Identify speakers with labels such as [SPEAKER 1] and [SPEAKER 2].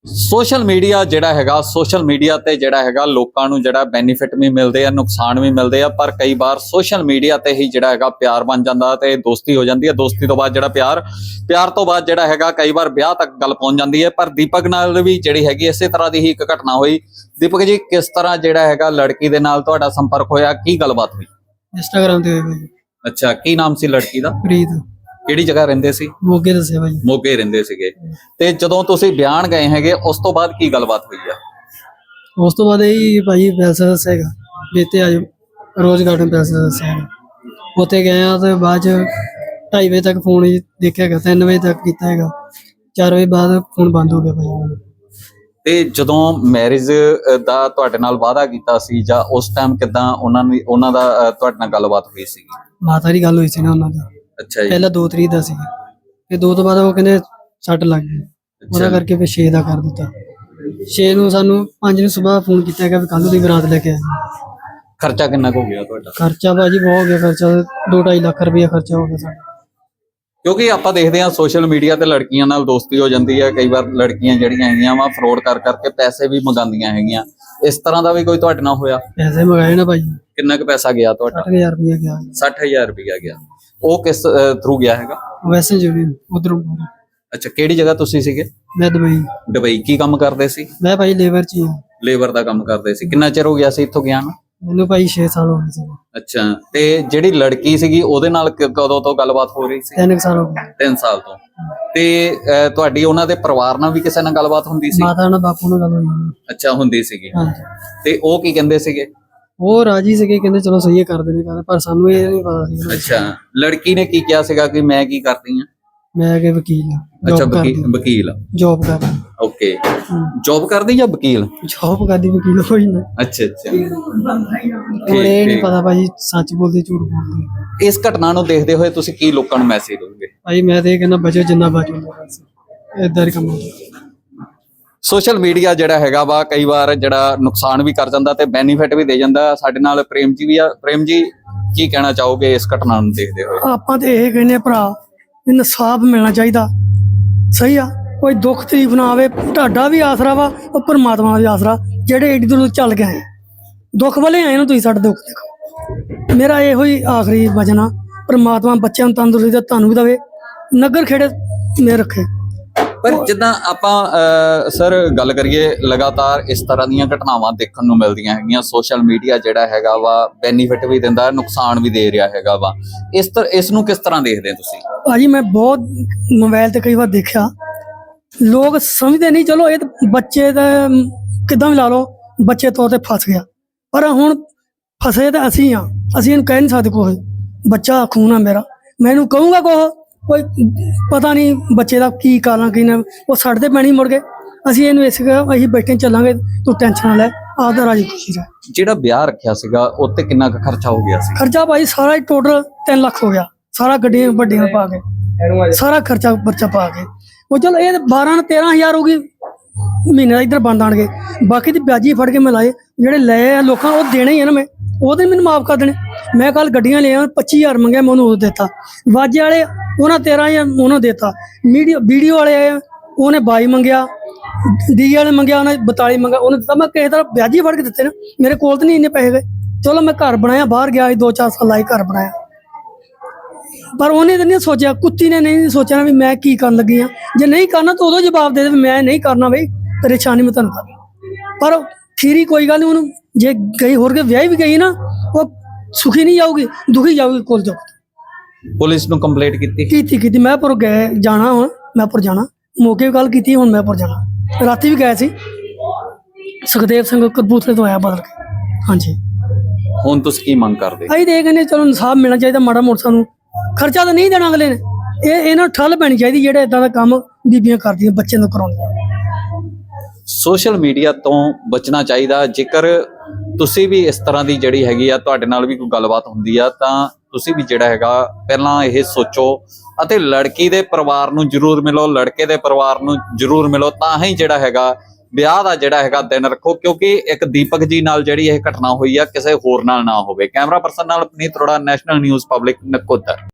[SPEAKER 1] Social media ਜਿਹੜਾ ਹੈਗਾ social media ਤੇ ਜਿਹੜਾ ਹੈਗਾ ਲੋਕਾਂ ਨੂੰ ਜਿਹੜਾ ਬੈਨੀਫਿਟ ਵੀ ਮਿਲਦੇ ਆ, ਨੁਕਸਾਨ ਵੀ ਮਿਲਦੇ ਆ। ਪਰ ਕਈ ਵਾਰ ਸੋਸ਼ਲ ਮੀਡੀਆ ਤੇ ਹੀ ਜਿਹੜਾ ਹੈਗਾ ਪਿਆਰ ਬਣ ਜਾਂਦਾ ਤੇ ਦੋਸਤੀ ਹੋ ਜਾਂਦੀ ਹੈ। ਦੋਸਤੀ ਤੋਂ ਬਾਅਦ ਜਿਹੜਾ ਪਿਆਰ ਤੋਂ ਬਾਅਦ ਜਿਹੜਾ ਹੈਗਾ ਕਈ ਵਾਰ ਵਿਆਹ ਤੱਕ ਗੱਲ ਪਹੁੰਚ ਜਾਂਦੀ ਹੈ। ਪਰ ਦੀਪਕ ਨਾਲ ਵੀ ਜਿਹੜੀ ਹੈਗੀ ਇਸੇ ਤਰ੍ਹਾਂ ਦੀ ਹੀ ਇੱਕ ਘਟਨਾ ਹੋਈ। ਦੀਪਕ ਜੀ, ਕਿਸ ਤਰ੍ਹਾਂ ਜਿਹੜਾ ਹੈਗਾ ਲੜਕੀ ਦੇ ਨਾਲ ਤੁਹਾਡਾ ਸੰਪਰਕ ਹੋਇਆ, ਕੀ ਗੱਲਬਾਤ ਹੋਈ?
[SPEAKER 2] ਇੰਸਟਾਗ੍ਰਾਮ ਤੇ ਹੋਏ ਭਾਈ।
[SPEAKER 1] ਅੱਛਾ, ਕੀ ਨਾਮ ਸੀ ਲੜਕੀ ਦਾ?
[SPEAKER 2] ਪ੍ਰੀਤ।
[SPEAKER 1] ਕਿਹੜੀ ਜਗ੍ਹਾ ਰਹਿੰਦੇ ਸੀ?
[SPEAKER 2] ਮੋਗੇ ਦੱਸਿਆ ਭਾਈ।
[SPEAKER 1] ਮੋਗੇ ਰਹਿੰਦੇ ਸੀਗੇ। ਤੇ ਜਦੋਂ ਤੁਸੀਂ ਬਿਆਨ ਗਏ ਹੈਗੇ ਉਸ ਤੋਂ ਬਾਅਦ ਕੀ ਗੱਲਬਾਤ ਹੋਈ ਆ?
[SPEAKER 2] ਉਸ ਤੋਂ ਬਾਅਦ ਇਹ ਭਾਈ ਪੈਸਾ ਦੱਸੇਗਾ ਬੇਤੇ ਆ ਰੋਜ਼ ਗਾਰਡਨ ਪੈਸਾ ਦੱਸੇਗਾ। ਉੱਥੇ ਗਏ ਆ ਤੇ ਬਾਅਦ ਚ 2:30 ਵਜੇ ਤੱਕ ਫੋਨ ਦੇਖਿਆ ਗਿਆ, 3 ਵਜੇ ਤੱਕ ਕੀਤਾ ਹੈਗਾ, 4 ਵਜੇ ਬਾਅਦ ਫੋਨ ਬੰਦ ਹੋ ਗਿਆ ਭਾਈ।
[SPEAKER 1] ਤੇ ਜਦੋਂ ਮੈਰਿਜ ਦਾ ਤੁਹਾਡੇ ਨਾਲ ਵਾਅਦਾ ਕੀਤਾ ਸੀ ਜਾਂ ਉਸ ਟਾਈਮ ਕਿਦਾਂ ਉਹਨਾਂ ਦਾ ਤੁਹਾਡੇ ਨਾਲ ਗੱਲਬਾਤ ਹੋਈ ਸੀ?
[SPEAKER 2] ਮਾਤਾ ਦੀ ਗੱਲ ਹੋਈ ਸੀ ਨਾ ਉਹਨਾਂ ਦੀ।
[SPEAKER 1] ਅੱਛਾ ਜੀ।
[SPEAKER 2] ਪਹਿਲਾਂ 2 ਤਰੀਕ ਦਾ ਸੀ, ਤੇ 2 ਤੋਂ ਬਾਅਦ ਉਹ ਕਹਿੰਦੇ ਸੱਟ ਲੱਗ ਗਈ, ਉਹਦਾ ਕਰਕੇ ਫਿਰ 6 ਦਾ ਕਰ ਦਿੱਤਾ। 6 ਨੂੰ ਸਾਨੂੰ 5 ਨੂੰ ਸਵੇਰ ਫੋਨ ਕੀਤਾ ਹੈਗਾ ਵੀ ਕੱਲ ਦੀ ਬਰਾਤ ਲੈ ਕੇ ਆਏ।
[SPEAKER 1] ਖਰਚਾ ਕਿੰਨਾ ਕੁ ਹੋ ਗਿਆ ਤੁਹਾਡਾ?
[SPEAKER 2] ਖਰਚਾ ਭਾਜੀ ਬਹੁਤ ਹੋ ਗਿਆ, ਖਰਚਾ 2-2.5 ਲੱਖ ਰੁਪਇਆ ਖਰਚਾ ਹੋ ਗਿਆ ਸਾਡਾ।
[SPEAKER 1] ਕਿਉਂਕਿ ਆਪਾਂ ਦੇਖਦੇ ਹਾਂ ਸੋਸ਼ਲ ਮੀਡੀਆ ਤੇ ਲੜਕੀਆਂ ਨਾਲ ਦੋਸਤੀ ਹੋ ਜਾਂਦੀ ਹੈ। ਕਈ ਵਾਰ ਲੜਕੀਆਂ ਜਿਹੜੀਆਂ ਹੈਗੀਆਂ ਵਾ ਫਰੋਡ ਕਰਕੇ ਪੈਸੇ ਵੀ ਮੰਗਾਉਂਦੀਆਂ ਹੈਗੀਆਂ। ਇਸ ਤਰ੍ਹਾਂ ਦਾ ਵੀ ਕੋਈ ਤੁਹਾਡੇ ਨਾਲ ਹੋਇਆ?
[SPEAKER 2] ਪੈਸੇ ਮੰਗਾਏ ਨਾ ਭਾਈ।
[SPEAKER 1] ਕਿੰਨਾ ਕੁ ਪੈਸਾ ਗਿਆ ਤੁਹਾਡਾ?
[SPEAKER 2] 60,000 ਰੁਪਇਆ ਗਿਆ।
[SPEAKER 1] 60,000 ਰੁਪਇਆ ਗਿਆ। ਉਹ ਕਿਸ ਥਰੂ ਗਿਆ ਹੈਗਾ?
[SPEAKER 2] ਵੈਸੇ ਜਿਹੜੀ ਉਧਰੋਂ।
[SPEAKER 1] ਅੱਛਾ, ਕਿਹੜੀ ਜਗ੍ਹਾ ਤੁਸੀਂ ਸੀਗੇ?
[SPEAKER 2] ਮੈਂ ਦੁਬਈ।
[SPEAKER 1] ਦੁਬਈ ਕੀ ਕੰਮ ਕਰਦੇ ਸੀ?
[SPEAKER 2] ਮੈਂ ਭਾਈ ਲੇਬਰ ਚ ਹੀ ਹਾਂ।
[SPEAKER 1] ਲੇਬਰ ਦਾ ਕੰਮ ਕਰਦੇ ਸੀ। ਕਿੰਨਾ ਚਿਰ ਹੋ ਗਿਆ ਸੀ ਇੱਥੋਂ ਗਿਆ ਨੂੰ?
[SPEAKER 2] ਮੈਨੂੰ ਭਾਈ 6 ਸਾਲ ਹੋ ਗਏ ਸੀ।
[SPEAKER 1] ਅੱਛਾ, ਤੇ ਜਿਹੜੀ ਲੜਕੀ ਸੀਗੀ ਉਹਦੇ ਨਾਲ ਕਦੋਂ ਤੋਂ ਗੱਲਬਾਤ ਹੋ ਰਹੀ ਸੀ?
[SPEAKER 2] 3 ਸਾਲ ਹੋ ਗਏ।
[SPEAKER 1] 3 ਸਾਲ ਤੋਂ। ਤੇ ਤੁਹਾਡੀ ਉਹਨਾਂ ਦੇ ਪਰਿਵਾਰ ਨਾਲ ਵੀ ਕਿਸੇ ਨਾਲ ਗੱਲਬਾਤ ਹੁੰਦੀ ਸੀ?
[SPEAKER 2] ਮਾਤਾ ਨਾਲ ਬਾਪੂ ਨਾਲ ਗੱਲ ਹੋਈ।
[SPEAKER 1] ਅੱਛਾ, ਹੁੰਦੀ ਸੀਗੀ।
[SPEAKER 2] ਹਾਂਜੀ।
[SPEAKER 1] ਤੇ ਉਹ ਕੀ ਕਹਿੰਦੇ ਸੀਗੇ?
[SPEAKER 2] ਉਹ ਰਾਜੀ ਸੀਗੇ, ਕਹਿੰਦੇ ਚਲੋ ਸਹੀ ਹੈ, ਕਰਦੇ ਨੇ ਕਰਦੇ, ਪਰ ਸਾਨੂੰ ਇਹ ਨਹੀਂ ਪਤਾ ਸੀ।
[SPEAKER 1] ਅੱਛਾ, ਲੜਕੀ ਨੇ ਕੀ ਕਿਹਾ ਸੀਗਾ ਕਿ ਮੈਂ ਕੀ ਕਰਦੀ ਆ?
[SPEAKER 2] ਮੈਂ ਕਿ ਵਕੀਲ ਹਾਂ।
[SPEAKER 1] ਅੱਛਾ, ਵਕੀਲ।
[SPEAKER 2] ਜੌਬ ਕਰਦਾ।
[SPEAKER 1] ਓਕੇ, ਜੌਬ ਕਰਦੀ ਜਾਂ ਵਕੀਲ?
[SPEAKER 2] ਜੌਬ ਕਰਦੀ, ਵਕੀਲ ਹੋਈ ਨਾ।
[SPEAKER 1] ਅੱਛਾ ਅੱਛਾ।
[SPEAKER 2] ਹੁਣ ਇਹ ਨਹੀਂ ਪਤਾ ਭਾਜੀ ਸੱਚ ਬੋਲਦੇ ਝੂਠ ਬੋਲਦੇ।
[SPEAKER 1] ਇਸ ਘਟਨਾ ਨੂੰ ਦੇਖਦੇ ਹੋਏ ਤੁਸੀਂ ਕੀ ਲੋਕਾਂ ਨੂੰ ਮੈਸੇਜ ਦੋਗੇ?
[SPEAKER 2] ਭਾਈ ਮੈਂ ਤੇ ਇਹ ਕਹਿੰਦਾ ਬਚੋ ਜਿੰਨਾ ਬਚੋ, ਬਸ ਏਦਾਂ ਹੀ ਕੰਮ ਹੁੰਦਾ।
[SPEAKER 1] ਸੋਸ਼ਲ ਮੀਡੀਆ ਜਿਹੜਾ ਹੈਗਾ ਵਾ ਕਈ ਵਾਰ ਜਿਹੜਾ ਨੁਕਸਾਨ ਵੀ ਕਰ ਜਾਂਦਾ ਤੇ ਬੈਨੀਫਿਟ ਵੀ ਦੇ ਜਾਂਦਾ। ਸਾਡੇ ਨਾਲ ਪ੍ਰੇਮ ਜੀ ਵੀ ਆ। ਪ੍ਰੇਮ ਜੀ, ਕੀ ਕਹਿਣਾ ਚਾਹੋਗੇ ਇਸ ਘਟਨਾ ਨੂੰ ਦੇਖਦੇ ਹੋਏ?
[SPEAKER 2] ਆਪਾਂ ਤੇ ਇਹ ਕਹਿੰਦੇ ਭਰਾ, ਇਨਸਾਫ ਮਿਲਣਾ ਚਾਹੀਦਾ। ਸਹੀ ਆ, ਕੋਈ ਦੁੱਖ ਤਕਲੀਫ ਨਾ ਆਵੇ। ਤੁਹਾਡਾ ਵੀ ਆਸਰਾ ਵਾ, ਉਹ ਪਰਮਾਤਮਾ ਦਾ ਵੀ ਆਸਰਾ। ਜਿਹੜੇ ਏਡੀ ਦੂਰ ਚੱਲ ਕੇ ਆਏ, ਦੁੱਖ ਵਾਲੇ ਆਏ ਨੂੰ, ਤੁਸੀਂ ਸਾਡੇ ਦੁੱਖ ਦੇਖੋ। ਮੇਰਾ ਇਹੋ ਹੀ ਆਖਰੀ ਵਚਨ ਆ, ਪਰਮਾਤਮਾ ਬੱਚਿਆਂ ਨੂੰ ਤੰਦਰੁਸਤੀ ਤੁਹਾਨੂੰ ਵੀ ਦੇਵੇ, ਨਗਰ ਖੇੜੇ ਮੇ ਰੱਖੇ।
[SPEAKER 1] ਪਰ ਜਿੱਦਾਂ ਆਪਾਂ ਸਰ ਗੱਲ ਕਰੀਏ, ਲਗਾਤਾਰ ਇਸ ਤਰ੍ਹਾਂ ਦੀਆਂ ਘਟਨਾਵਾਂ ਦੇਖਣ ਨੂੰ ਮਿਲਦੀਆਂ ਹੈਗੀਆਂ। ਸੋਸ਼ਲ ਮੀਡੀਆ ਜਿਹੜਾ ਹੈਗਾ ਵਾ ਬੈਨੀਫਿਟ ਵੀ ਦਿੰਦਾ, ਨੁਕਸਾਨ ਵੀ ਦੇ ਰਿਹਾ ਹੈਗਾ ਵਾ। ਇਸ ਨੂੰ ਕਿਸ ਤਰ੍ਹਾਂ ਦੇਖਦੇ ਤੁਸੀਂ?
[SPEAKER 2] ਭਾਜੀ ਮੈਂ ਬਹੁਤ ਮੋਬਾਈਲ ਤੇ ਕਈ ਵਾਰ ਦੇਖਿਆ, ਲੋਕ ਸਮਝਦੇ ਨਹੀਂ। ਚਲੋ ਇਹ ਤਾਂ ਬੱਚੇ ਦਾ ਕਿੱਦਾਂ ਵੀ ਲਾ ਲਓ, ਬੱਚੇ ਤੌਰ ਤੇ ਫਸ ਗਿਆ, ਪਰ ਹੁਣ ਫਸੇ ਤਾਂ ਅਸੀਂ ਆ। ਅਸੀਂ ਇਹਨੂੰ ਕਹਿ ਨਹੀਂ ਸਕਦੇ ਕੁਛ। ਬੱਚਾ ਖੂਨ ਆ ਮੇਰਾ, ਮੈਂ ਇਹਨੂੰ ਕਹੂੰਗਾ ਕੋਈ ਪਤਾ ਨਹੀਂ ਬੱਚੇ ਦਾ ਕੀ ਕਾਰਨ ਕੀ ਨਾ, ਉਹ ਸਾਡੇ ਤੇ ਪੈਣੀ ਮੁੜ ਕੇ। ਅਸੀਂ ਇਹਨੂੰ ਅਸੀਂ ਬੈਠੇ ਚੱਲਾਂਗੇ, ਤੂੰ ਟੈਨਸ਼ਨ ਨਾ ਲੈ, ਆਪਦਾ ਰਾਜੀ ਖੁਸ਼ੀ ਰਹਿ। ਜਿਹੜਾ
[SPEAKER 1] ਵਿਆਹ ਰੱਖਿਆ ਸੀਗਾ ਉੱਤੇ ਕਿੰਨਾ ਕੁ ਖਰਚਾ ਹੋ ਗਿਆ ਸੀ?
[SPEAKER 2] ਖਰਚਾ ਭਾਈ ਸਾਰਾ ਟੋਟਲ 3 ਲੱਖ ਹੋ ਗਿਆ, ਸਾਰਾ ਗੱਡੀਆਂ ਵੱਡੀਆਂ ਪਾ ਕੇ, ਸਾਰਾ ਖਰਚਾ ਬੱਚਾ ਪਾ ਕੇ। ਉਹ ਚਲ ਇਹ 12-13 ਹਜ਼ਾਰ ਹੋ ਗਈ ਮਹੀਨੇ ਦਾ ਇੱਧਰ ਬੰਦ ਆਣਗੇ। ਬਾਕੀ ਦੀ ਵਿਆਜੀ ਫੜ ਕੇ ਮੈਂ ਲਾਏ, ਜਿਹੜੇ ਲਏ ਆ ਲੋਕਾਂ ਉਹ ਦੇਣੇ ਹੀ ਆ ਨਾ। ਮੈਂ ਉਹਦੇ ਮੈਨੂੰ ਮਾਫ ਕਰ ਦੇਣੇ। ਮੈਂ ਕੱਲ ਗੱਡੀਆਂ ਲਿਆ 25,000 ਮੰਗਿਆ, ਮੈਂ ਉਹਨੂੰ ਉਹ ਦਿੱਤਾ। ਵਾਜੇ ਵਾਲੇ ਉਹਨਾਂ 13,000 ਉਹਨੂੰ ਦਿੱਤਾ। ਵੀਡੀਓ ਵਾਲੇ ਆਏ ਉਹਨੇ 22 ਮੰਗਿਆ, ਡੀ ਵਾਲੇ ਮੰਗਿਆ ਉਹਨੇ 42 ਮੰਗਿਆ, ਉਹਨੇ ਦਿੱਤਾ। ਮੈਂ ਕਿਸੇ ਤਰ੍ਹਾਂ ਵਿਆਜੀ ਫੜ ਕੇ ਦਿੱਤੇ ਨਾ, ਮੇਰੇ ਕੋਲ ਤਾਂ ਨਹੀਂ ਇੰਨੇ ਪੈਸੇ ਗਏ। ਚਲੋ ਮੈਂ ਘਰ ਬਣਾਇਆ, ਬਾਹਰ ਗਿਆ 2-4 ਸਾਲ ਲਾਏ, ਘਰ ਬਣਾਇਆ। ਪਰ ਉਹਨੇ ਤਾਂ ਨਹੀਂ ਸੋਚਿਆ, ਕੁੱਤੀ ਨੇ ਨਹੀਂ ਸੋਚਿਆ ਵੀ ਮੈਂ ਕੀ ਕਰਨ ਲੱਗੀ ਆ। ਜੇ ਨਹੀਂ ਕਰਨਾ ਤਾਂ ਉਦੋਂ ਜਵਾਬ ਦੇ ਦੇ, ਮੈਂ ਨਹੀਂ ਕਰਨਾ ਬਈ, ਪਰੇਸ਼ਾਨੀ ਮੈਂ ਤੁਹਾਨੂੰ ਕਰਨਾ। ਪਰ ਖੀਰੀ ਕੋਈ ਗੱਲ ਨਹੀਂ, ਉਹਨੂੰ ਜੇ ਗਈ ਹੋਰ ਕੇ ਵਿਆਹ ਵੀ ਗਈ ਨਾ, ਉਹ ਸੁਖੀ ਨਹੀਂ ਜਾਊਗੀ, ਦੁਖੀ ਜਾਊਗੀ। ਕੋਲ ਜਾਊ।
[SPEAKER 1] ਪੁਲਿਸ ਨੂੰ ਕੰਪਲੇਂਟ ਕੀਤੀ?
[SPEAKER 2] ਮੈਂ ਪਰ ਗਏ ਜਾਣਾ, ਹੁਣ ਮੈਂ ਪਰ ਜਾਣਾ, ਮੌਕੇ ਵੀ ਗੱਲ ਕੀਤੀ, ਹੁਣ ਮੈਂ ਪਰ ਜਾਣਾ। ਰਾਤੀ ਵੀ ਗਏ ਸੀ, ਸੁਖਦੇਵ ਸਿੰਘ ਕਪੂਰਥਲੇ ਤੋਂ ਆਇਆ ਬਦਲ ਕੇ। ਹਾਂਜੀ।
[SPEAKER 1] ਹੁਣ ਤੁਸੀਂ ਕੀ ਮੰਗ ਕਰਦੇ?
[SPEAKER 2] ਅਸੀਂ ਤੇ ਇਹ ਕਹਿੰਦੇ ਚਲੋ ਇਨਸਾਫ ਮਿਲਣਾ ਚਾਹੀਦਾ। ਮਾੜਾ ਮੋਟਾ ਸਾਨੂੰ ਖਰਚਾ ਤਾਂ ਨਹੀਂ ਦੇਣਾ ਅਗਲੇ ਨੇ, ਇਹਨਾਂ ਠੱਲ ਪੈਣੀ ਚਾਹੀਦੀ ਜਿਹੜੇ ਇਦਾਂ ਦਾ ਕੰਮ ਬੀਬੀਆਂ ਕਰਦੀਆਂ ਬੱਚਿਆਂ ਨੂੰ ਕਰਾਉਂਦੀਆਂ।
[SPEAKER 1] ਸੋਸ਼ਲ ਮੀਡੀਆ ਤੋਂ ਬਚਣਾ ਚਾਹੀਦਾ। ਜੇਕਰ ਤੁਸੀਂ ਵੀ ਇਸ ਤਰ੍ਹਾਂ ਦੀ ਜਿਹੜੀ ਹੈਗੀ ਆ, ਤੁਹਾਡੇ ਨਾਲ ਵੀ ਕੋਈ ਗੱਲਬਾਤ ਹੁੰਦੀ ਆ, ਤਾਂ ਤੁਸੀਂ ਵੀ ਜਿਹੜਾ ਹੈਗਾ ਪਹਿਲਾਂ ਇਹ ਸੋਚੋ ਅਤੇ ਲੜਕੀ ਦੇ ਪਰਿਵਾਰ ਨੂੰ ਜ਼ਰੂਰ ਮਿਲੋ, ਲੜਕੇ ਦੇ ਪਰਿਵਾਰ ਨੂੰ ਜ਼ਰੂਰ ਮਿਲੋ, ਤਾਂ ਹੀ ਜਿਹੜਾ ਹੈਗਾ ਵਿਆਹ ਦਾ ਜਿਹੜਾ ਹੈਗਾ ਦਿਨ ਰੱਖੋ। ਕਿਉਂਕਿ ਇੱਕ ਦੀਪਕ ਜੀ ਨਾਲ ਜਿਹੜੀ ਇਹ ਘਟਨਾ ਹੋਈ ਆ, ਕਿਸੇ ਹੋਰ ਨਾਲ ਨਾ ਹੋਵੇ। ਕੈਮਰਾ ਪਰਸਨ ਨਾਲ Puneet Arora, National News Public, Nakodar.